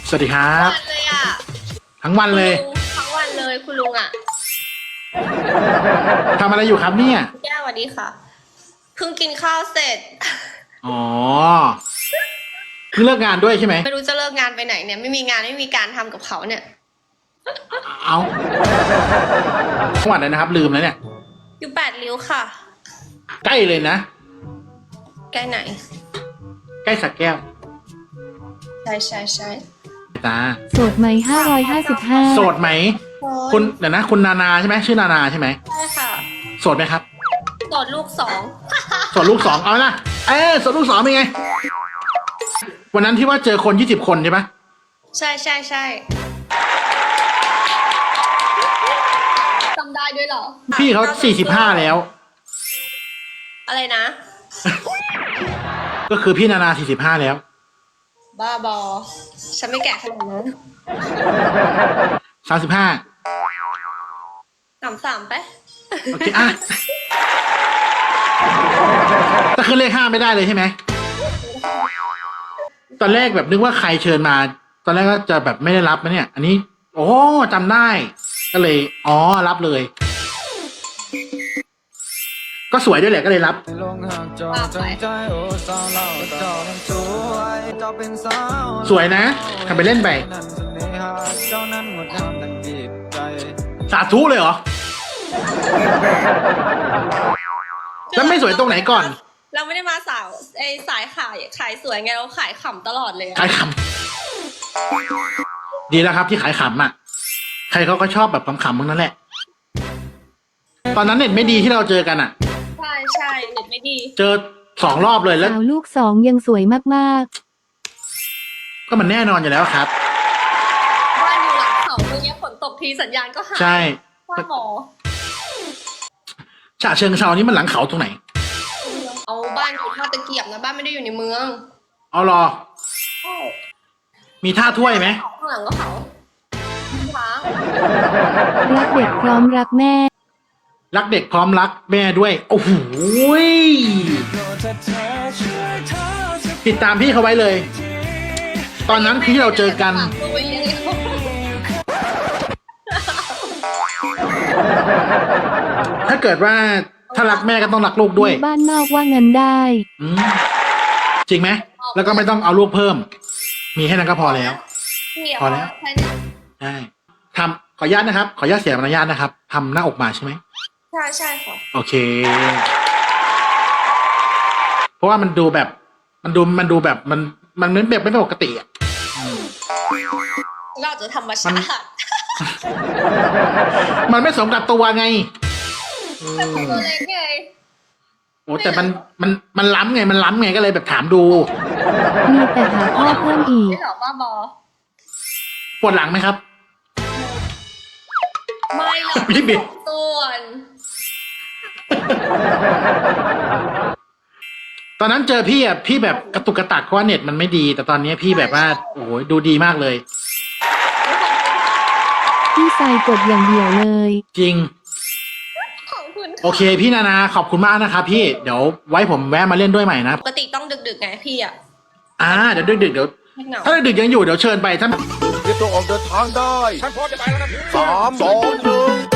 สวัสดีครับวันเลยอ่ะทั้งวันเลยทั้งวันเลยคุณลุงอ่ะทำอะไรอยู่ครับเนี่ยแก้วสวัสดีค่ะเพิ่งกินข้าวเสร็จอ๋อเพิ่งเลิกงานด้วยใช่ไหมไม่รู้จะเลิกงานไปไหนเนี่ยไม่มีงานไม่มีการทำกับเขาเนี่ยเอาจังหวัดไหนนะครับลืมแล้วเนี่ยอยู่แปดริ้วค่ะใกล้เลยนะใกล้ไหนใกล้สักแก้วใช่ตาโสดไหม555 โสดไหมคุณเดี๋ยวนะคุณนานาใช่ไหมชื่อนานาใช่ไหมใช่ค่ะโสดไหมครับโสดลูกสองโสดลูกสองเอานะโสดลูกสองเป็นไงวันนั้นที่ว่าเจอคน20 คนใช่ไหมใช่จำได้ด้วยเหรอพี่เขา45แล้วอะไรนะก็คือพี่นานา45แล้วบ้าบอฉันไม่แก่ขนาดนั้น 35 สามไปโอเคแต่คือเลข5ไม่ได้เลยใช่ไหมตอนแรกแบบนึกว่าใครเชิญมาตอนแรกก็จะแบบไม่ได้รับนะเนี่ยอันนี้โอ้จำได้ก็เลยรับเลยก็สวยด้วยแหละก็เลยรับสวยนะทำไปเล่นไปสาธุเลยเหรอแล้วไม่สวยตรงไหนก่อนเราไม่ได้มาสายขายสวยไงเราขายขำตลอดเลยขายขำดีแล้วครับที่ขายขำอ่ะใครเขาก็ชอบแบบขำๆมึงนั่นแหละตอนนั้นเน็ตไม่ดีที่เราเจอกันอ่ะใช่เน็ตไม่ดีเจอ2 รอบเลยแล้วสาวลูก2ยังสวยมากก็มันแน่นอนอยู่แล้วครับบ้านอยู่หลังเขาเมื่อกี้ฝนตกทีสัญญาณก็หายใช่ว่าหมอฉะเชิงเทรานี่มันหลังเขาตรงไหนเอาบ้านอยู่ท่าตะเกียบนะบ้านไม่ได้อยู่ในเมืองเอารอมีท่าถ้วยไหมข้างหลังก็เขาช้างรักเด็กพร้อมรักแม่รักเด็กพร้อมรักแม่ด้วยโอ้โหติดตามพี่เขาไว้เลยตอนนั้นที่เราเจอกันถ้าเกิดว่าถ้ารักแม่ก็ต้องรักลูกด้วยบ้านนอกว่าเงินได้จริงไหมแล้วก็ไม่ต้องเอาลูกเพิ่มมีแค่นั้นก็พอแล้วพอแล้วใช่ทำขออนุญาตนะครับขออนุญาตเสียมารยาทนะครับทำหน้าอกมาใช่ไหมใช่ค่ะโอเคเพราะว่ามันดูแบบมันดูแบบมันเหมือนแบบไม่ปกติอ่ะเราจะธรรมชาติมันไม่สมกับตัวไงตัวเล็กไงโอ้แต่มันล้ำไงมันล้ำไงก็เลยแบบถามดูมีแต่หาพ่อเพิ่มอีกไม่หรอบ้าบอปวดหลังไหมครับไม่หรอกพี่บิ๊กส่วนตอนนั้นเจอพี่อ่ะพี่แบบกระตุกกระตักเพราะว่าเน็ตมันไม่ดีแต่ตอนนี้พี่แบบว่าโอ้โหดูดีมากเลยพี่ใส่กดอย่างเดียวเลยจริงขอบคุณโอเคพี่นานาขอบคุณมากนะครับพี่เดี๋ยวไว้ผมแวะมาเล่นด้วยใหม่นะปกติต้องดึกๆไงพี่อ่ะเดี๋ยวดึกเดี๋ยวถ้าดึกยังอยู่เดี๋ยวเชิญไปถ้าเตรียมตัวออกเดินทางได้ฉันพร้อมจะไปแล้วนะ3 2 1